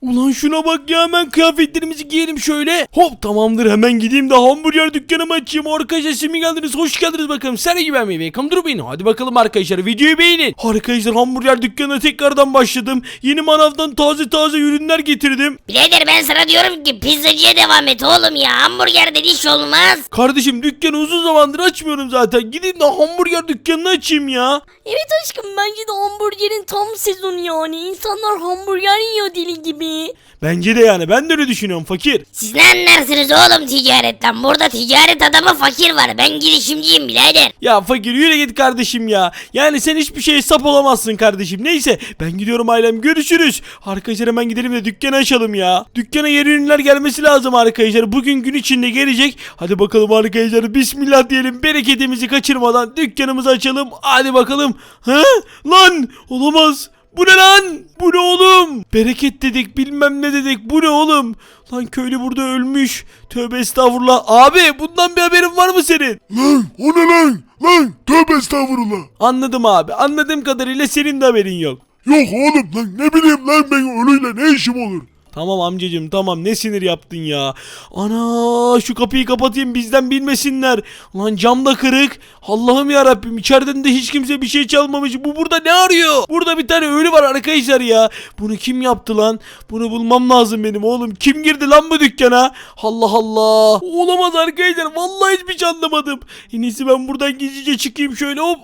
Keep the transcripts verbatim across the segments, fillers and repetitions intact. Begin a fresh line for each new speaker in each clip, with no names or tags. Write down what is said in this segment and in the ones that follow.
Ulan şuna bak ya, hemen kıyafetlerimizi giyelim şöyle. Hop tamamdır, hemen gideyim de hamburger dükkanımı açayım. Arkadaşlar siz mi geldiniz? Hoş geldiniz bakalım. Sen gibi ben mi? Welcome to benim. Hadi bakalım arkadaşlar, videoyu beğenin. Arkadaşlar hamburger dükkanına tekrardan başladım. Yeni manavdan taze taze ürünler getirdim.
Birader ben sana diyorum ki pizzacıya devam et oğlum ya. Hamburgerde iş olmaz.
Kardeşim dükkanı uzun zamandır açmıyorum zaten. Gideyim de hamburger dükkanını açayım ya.
Evet aşkım, bence de hamburgerin tam sezonu yani. İnsanlar hamburger yiyor deli gibi.
Bence de yani, ben de öyle düşünüyorum fakir.
Siz ne anlarsınız oğlum ticaretten? Burada ticaret adamı fakir var. Ben girişimciyim birader.
Ya fakir yürü git kardeşim ya. Yani sen hiçbir şeye sap olamazsın kardeşim. Neyse ben gidiyorum ailem, görüşürüz. Arkadaşlar hemen gidelim de dükkanı açalım ya. Dükkana yeni ürünler gelmesi lazım arkadaşlar. Bugün gün içinde gelecek. Hadi bakalım arkadaşlar, bismillah diyelim, bereketimizi kaçırmadan dükkanımızı açalım. Hadi bakalım. Ha? Lan olamaz. Bu ne lan? Bu ne oğlum? Bereket dedik, bilmem ne dedik. Bu ne oğlum? Lan köylü burada ölmüş. Tövbe estağfurullah. Abi bundan bir haberin var mı senin?
Lan o ne lan? Lan tövbe estağfurullah.
Anladım abi. Anladığım kadarıyla senin de haberin yok.
Yok oğlum lan, ne bileyim lan, ben ölüyle ne işim olur?
Tamam amcacım tamam, ne sinir yaptın ya. Ana şu kapıyı kapatayım, bizden bilmesinler. Lan cam da kırık. Allah'ım ya Rabbim, içeriden de hiç kimse bir şey çalmamış. Bu burada ne arıyor? Burada bir tane ölü var arkadaşlar ya. Bunu kim yaptı lan? Bunu bulmam lazım benim oğlum. Kim girdi lan bu dükkana? Allah Allah. Olamaz arkadaşlar, vallahi hiçbir şey anlamadım. En iyisi ben buradan gizlice çıkayım şöyle, hop.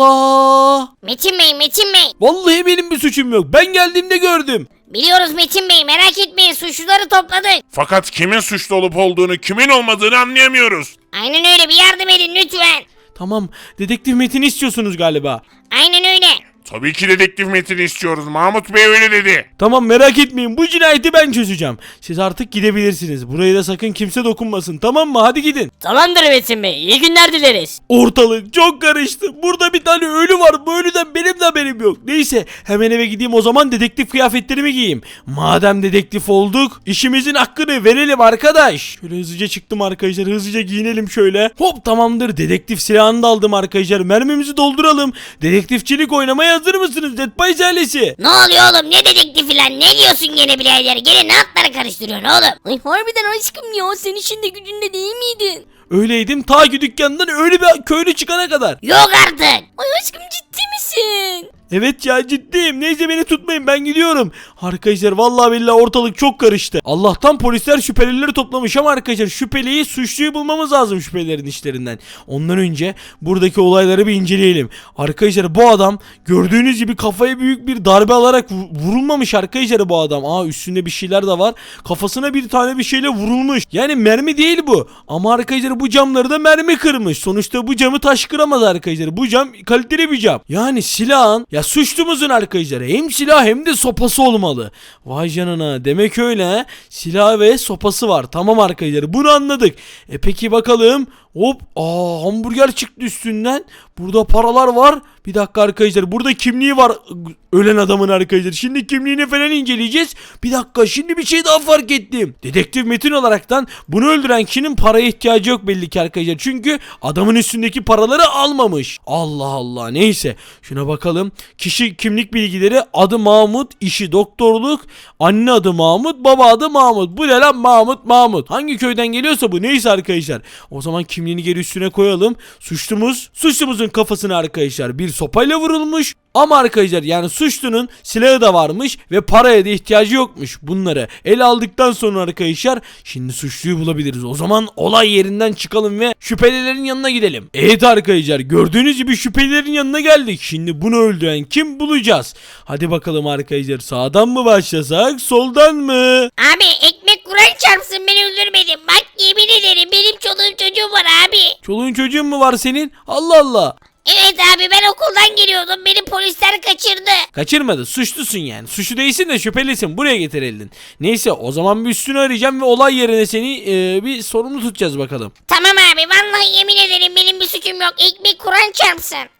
Allah.
Metin Bey, Metin Bey.
Vallahi benim bir suçum yok. Ben geldiğimde gördüm.
Biliyoruz Metin Bey, merak etmeyin, suçluları topladık.
Fakat kimin suçlu olup olduğunu, kimin olmadığını anlayamıyoruz.
Aynen öyle, bir yardım edin lütfen.
Tamam, dedektif Metin istiyorsunuz galiba.
Aynen öyle.
Tabii ki dedektif Metin'i istiyoruz. Mahmut Bey öyle dedi.
Tamam merak etmeyin, bu cinayeti ben çözeceğim. Siz artık gidebilirsiniz. Buraya da sakın kimse dokunmasın, tamam mı? Hadi gidin.
Tamamdır Metin Bey, iyi günler dileriz.
Ortalık çok karıştı. Burada bir tane ölü var. Bu ölüden benim de haberim yok. Neyse hemen eve gideyim o zaman, dedektif kıyafetlerimi giyeyim. Madem dedektif olduk, işimizin hakkını verelim arkadaş. Şöyle hızlıca çıktım arkadaşlar. Hızlıca giyinelim şöyle. Hop tamamdır. Dedektif silahını da aldım arkadaşlar. Mermimizi dolduralım. Dedektifçilik oynamaya hazır mısınız Dead Pies ailesi?
Ne oluyor oğlum, ne dedektifi lan, ne diyorsun gene birader, gene ne atları karıştırıyorsun oğlum?
Ay harbiden aşkım ya, sen işinde gücünde değil miydin?
Öyleydim ta ki dükkandan öyle bir köylü çıkana kadar.
Yok artık.
Ay aşkım, ciddi misin?
Evet ya ciddiyim. Neyse beni tutmayın, ben gidiyorum. Arkadaşlar vallahi billahi ortalık çok karıştı. Allah'tan polisler şüphelileri toplamış ama arkadaşlar şüpheliyi, suçluyu bulmamız lazım şüphelilerin işlerinden. Ondan önce buradaki olayları bir inceleyelim. Arkadaşlar bu adam gördüğünüz gibi kafaya büyük bir darbe alarak vurulmamış arkadaşlar bu adam. Aa üstünde bir şeyler de var. Kafasına bir tane bir şeyle vurulmuş. Yani mermi değil bu. Ama arkadaşlar bu camları da mermi kırmış. Sonuçta bu camı taş kıramaz arkadaşlar. Bu cam kaliteli bir cam. Yani silahın, ya suçlumuzun arkadaşlar hem silah hem de sopası olmalı. Vay canına, demek öyle he. Silah ve sopası var. Tamam arkadaşlar, bunu anladık. E peki bakalım. Hop, aa hamburger çıktı üstünden. Burada paralar var. Bir dakika arkadaşlar, burada kimliği var ölen adamın arkadaşlar. Şimdi kimliğini falan inceleyeceğiz. Bir dakika, şimdi bir şey daha fark ettim. Dedektif Metin olaraktan bunu öldüren kişinin paraya ihtiyacı yok belli ki arkadaşlar. Çünkü adamın üstündeki paraları almamış. Allah Allah, neyse. Şuna bakalım. Kişi kimlik bilgileri: adı Mahmut, işi doktorluk, anne adı Mahmut, baba adı Mahmut. Bu ne lan, Mahmut Mahmut. Hangi köyden geliyorsa bu, neyse arkadaşlar. O zaman kimliğini geri üstüne koyalım. Suçlumuz, suçlumuzun kafasına arkadaşlar bir sopayla vurulmuş. Ama arkadaşlar yani suçlunun silahı da varmış ve paraya da ihtiyacı yokmuş. Bunları el aldıktan sonra arkadaşlar şimdi suçluyu bulabiliriz. O zaman olay yerinden çıkalım ve şüphelilerin yanına gidelim. Evet arkadaşlar, gördüğünüz gibi şüphelilerin yanına geldik. Şimdi bunu öldüren kim bulacağız? Hadi bakalım arkadaşlar, sağdan mı başlasak soldan mı?
Abi ekmek kuran çarpsın, beni öldürmedin. Bak yemin ederim benim çoluğum çocuğum var abi.
Çoluğun çocuğun mu var senin? Allah Allah.
Evet abi, ben okuldan geliyordum, beni polisler kaçırdı.
Kaçırmadı, suçlusun yani. Suçlu değilsin de şüphelisin, buraya getirildin. Neyse o zaman bir üstünü arayacağım ve olay yerine seni e, bir sorumlu tutacağız bakalım.
Tamam abi, vallahi yemin ederim benim bir suçum yok, ekmek kuran çarpsın.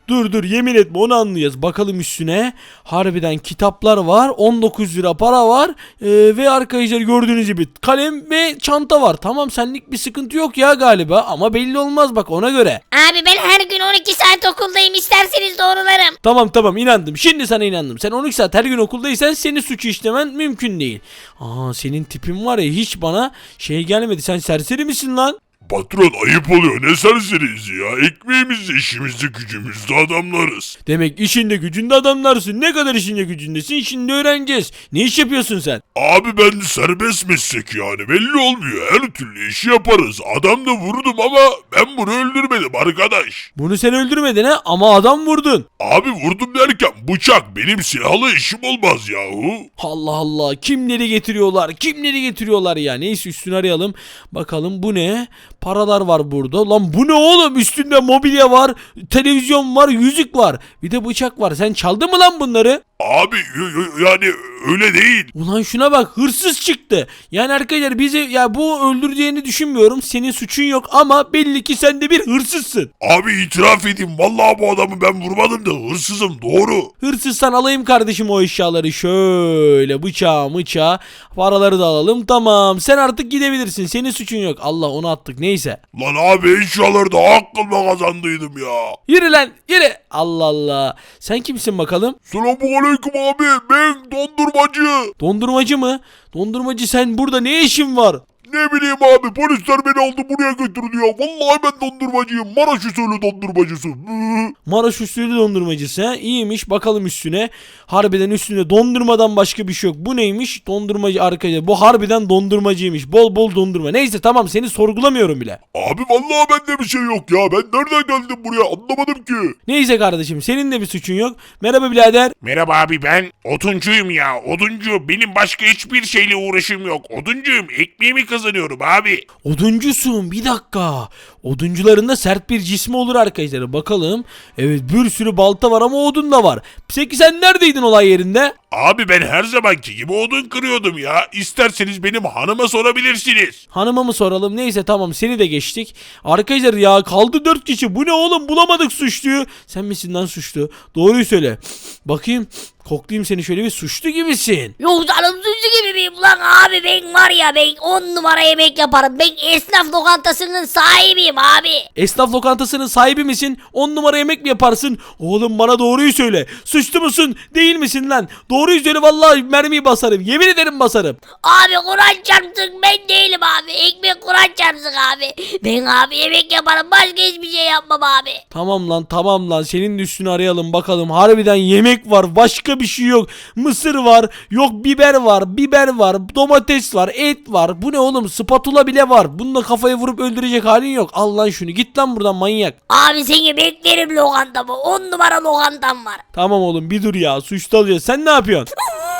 Dur dur yemin etme onu anlayacağız. Bakalım üstüne. Harbiden kitaplar var. on dokuz lira para var. Ee, ve arkadaşlar gördüğünüz gibi kalem ve çanta var. Tamam senlik bir sıkıntı yok ya galiba. Ama belli olmaz bak ona göre.
Abi ben her gün on iki saat okuldayım, isterseniz doğrularım.
Tamam tamam inandım. Şimdi sana inandım. Sen on iki saat her gün okuldaysan senin suçu işlemen mümkün değil. Aa senin tipin var ya hiç bana şey gelmedi. Sen serseri misin lan?
Patron ayıp oluyor ne serseriyiz ya. Ekmeğimizde işimizde gücümüzde adamlarız.
Demek işinde gücünde adamlarsın. Ne kadar işinde gücündesin şimdi öğreneceğiz. Ne iş yapıyorsun sen?
Abi ben serbest meslek yani belli olmuyor. Her türlü işi yaparız. Adam da vurdum ama ben bunu öldürmedim arkadaş.
Bunu sen öldürmedin ha ama adam vurdun.
Abi vurdum derken bıçak benim silahlı işim olmaz yahu.
Allah Allah kimleri getiriyorlar kimleri getiriyorlar ya. Neyse üstünü arayalım. Bakalım bu ne? Paralar var burada. Lan bu ne oğlum? Üstünde mobilya var, televizyon var, yüzük var. Bir de bıçak var. Sen çaldın mı lan bunları?
Abi y- y- yani öyle değil.
Ulan şuna bak hırsız çıktı. Yani arkadaşlar bizi ya bu öldüreceğini düşünmüyorum. Senin suçun yok ama belli ki sen de bir hırsızsın.
Abi itiraf edeyim vallahi bu adamı ben vurmadım da hırsızım doğru.
Hırsızsan alayım kardeşim o eşyaları. Şöyle bıçağı bıçağı. Paraları da alalım. Tamam sen artık gidebilirsin. Senin suçun yok. Allah onu attık neyse.
Lan abi eşyaları da hakkımla kazandıydım ya.
Yürü lan yürü. Allah Allah. Sen kimsin bakalım?
Selamünaleyküm abi ben dondurmacı.
Dondurmacı mı? Dondurmacı sen burada ne işin var?
Ne bileyim abi polisler beni aldı buraya götürdü ya. Vallahi ben dondurmacıyım. Maraş usulü dondurmacısı.
Maraş usulü dondurmacısı ha? İyiymiş bakalım üstüne. Harbiden üstünde dondurmadan başka bir şey yok. Bu neymiş? Dondurmacı arkadaşlar. Bu harbiden dondurmacıymış. Bol bol dondurma. Neyse tamam seni sorgulamıyorum bile.
Abi vallahi bende bir şey yok ya. Ben nereden geldim buraya anlamadım ki.
Neyse kardeşim senin de bir suçun yok. Merhaba birader.
Merhaba abi ben oduncuyum ya oduncu. Benim başka hiçbir şeyle uğraşım yok. Oduncuyum ekmeğimi kazanıyorum abi.
Oduncusun bir dakika. Oduncuların da sert bir cismi olur arkadaşlar. Bakalım. Evet bir sürü balta var ama odun da var. Peki sen neredeydin olay yerinde?
Abi ben her zamanki gibi odun kırıyordum ya. İsterseniz benim hanıma sorabilirsiniz.
Hanıma mı soralım? Neyse tamam seni de geçtik. Arkadaşlar ya kaldı dört kişi. Bu ne oğlum bulamadık suçluyu. Sen misin lan suçlu? Doğruyu söyle. Bakayım. Koklayayım seni şöyle bir suçlu gibisin.
Yok canım suçlu gibi miyim lan abi, ben var ya ben on numara yemek yaparım. Ben esnaf lokantasının sahibiyim abi.
Esnaf lokantasının sahibi misin? On numara yemek mi yaparsın? Oğlum bana doğruyu söyle. Suçlu musun? Değil misin lan? Doğruyu söyle vallahi mermiyi basarım. Yemin ederim basarım.
Abi Kur'an çarpsın ben değilim abi. Ekmek Kur'an çarpsın abi. Ben abi yemek yaparım, başka hiçbir şey yapmam abi.
Tamam lan tamam lan senin de üstünü arayalım bakalım. Harbiden yemek var başka bir şey yok. Mısır var, yok biber var, biber var, domates var, et var. Bu ne oğlum? Spatula bile var. Bununla kafayı vurup öldürecek halin yok. Al lan şunu git lan buradan manyak.
Abi seni beklerim lokantamı. On numara lokantam var.
Tamam oğlum bir dur ya suçlu alacağız. Sen ne yapıyorsun?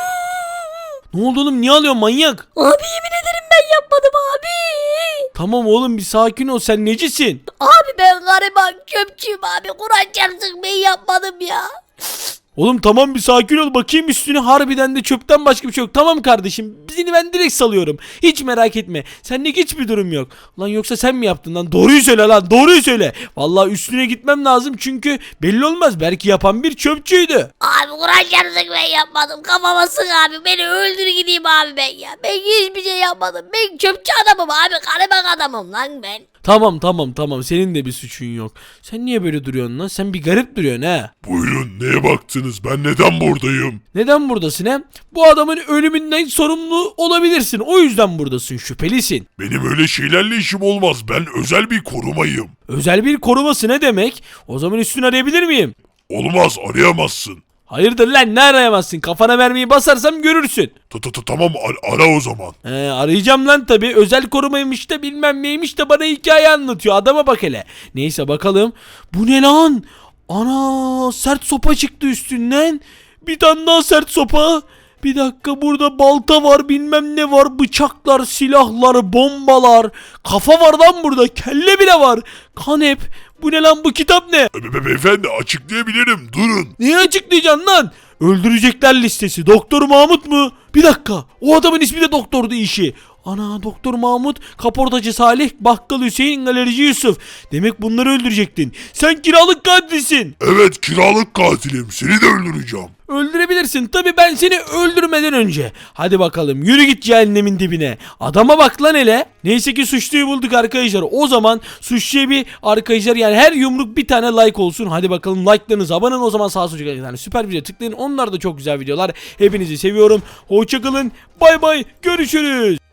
Ne oldu oğlum niye alıyorsun manyak?
Abi yemin ederim ben yapmadım abi.
Tamam oğlum bir sakin ol sen necisin?
Abi ben gariban çöpçüyüm abi. Kur'an çarpsın ben yapmadım ya.
Oğlum tamam bir sakin ol bakayım üstüne harbiden de çöpten başka bir şey yok. Tamam kardeşim seni ben direkt salıyorum. Hiç merak etme. Senlik hiçbir durum yok. Lan yoksa sen mi yaptın lan? Doğruyu söyle lan doğruyu söyle. Vallahi üstüne gitmem lazım çünkü belli olmaz. Belki yapan bir çöpçüydü.
Abi Kur'an çarpsın ben yapmadım. Kafama sık abi. Beni öldür gideyim abi ben ya. Ben hiçbir şey yapmadım. Ben çöpçü adamım abi. Gariban adamım lan ben.
Tamam tamam tamam senin de bir suçun yok. Sen niye böyle duruyorsun lan? Sen bir garip duruyorsun ha.
Buyurun neye baktınız ben neden buradayım?
Neden buradasın he? Bu adamın ölümünden sorumlu olabilirsin. O yüzden buradasın. Şüphelisin.
Benim öyle şeylerle işim olmaz ben özel bir korumayım.
Özel bir koruması ne demek? O zaman üstünü arayabilir miyim?
Olmaz arayamazsın.
Hayırdır lan ne arayamazsın? Kafana mermiyi basarsam görürsün.
Ta ta ta tamam ar- ara o zaman.
He, arayacağım lan tabi. Özel korumaymış da bilmem neymiş de bana hikaye anlatıyor. Adama bak hele. Neyse bakalım. Bu ne lan? Ana sert sopa çıktı üstünden. Bir tane daha sert sopa. Bir dakika burada balta var bilmem ne var. Bıçaklar, silahlar, bombalar. Kafa var lan burada. Kelle bile var. Kanep. Bu ne lan bu kitap ne?
Be- be- beyefendi açıklayabilirim durun.
Niye açıklayacaksın lan? Öldürecekler listesi. Doktor Mahmut mu? Bir dakika. O adamın ismi de doktordu işi. Ana Doktor Mahmut, kaportacı Salih, bakkal Hüseyin, galerici Yusuf. Demek bunları öldürecektin. Sen kiralık katilsin.
Evet kiralık katilim. Seni de öldüreceğim.
Öldürebilirsin. Tabii ben seni öldürmeden önce. Hadi bakalım yürü git cehennemin dibine. Adama bak lan hele. Neyse ki suçluyu bulduk arkadaşlar. O zaman suçluya bir arkadaşlar yani her yumruk bir tane like olsun. Hadi bakalım like'larınızı abone olun. O zaman sağ sucuk yani süper video tıklayın. Onlar da çok güzel videolar. Hepinizi seviyorum. Hoşçakalın. Bay bay. Görüşürüz.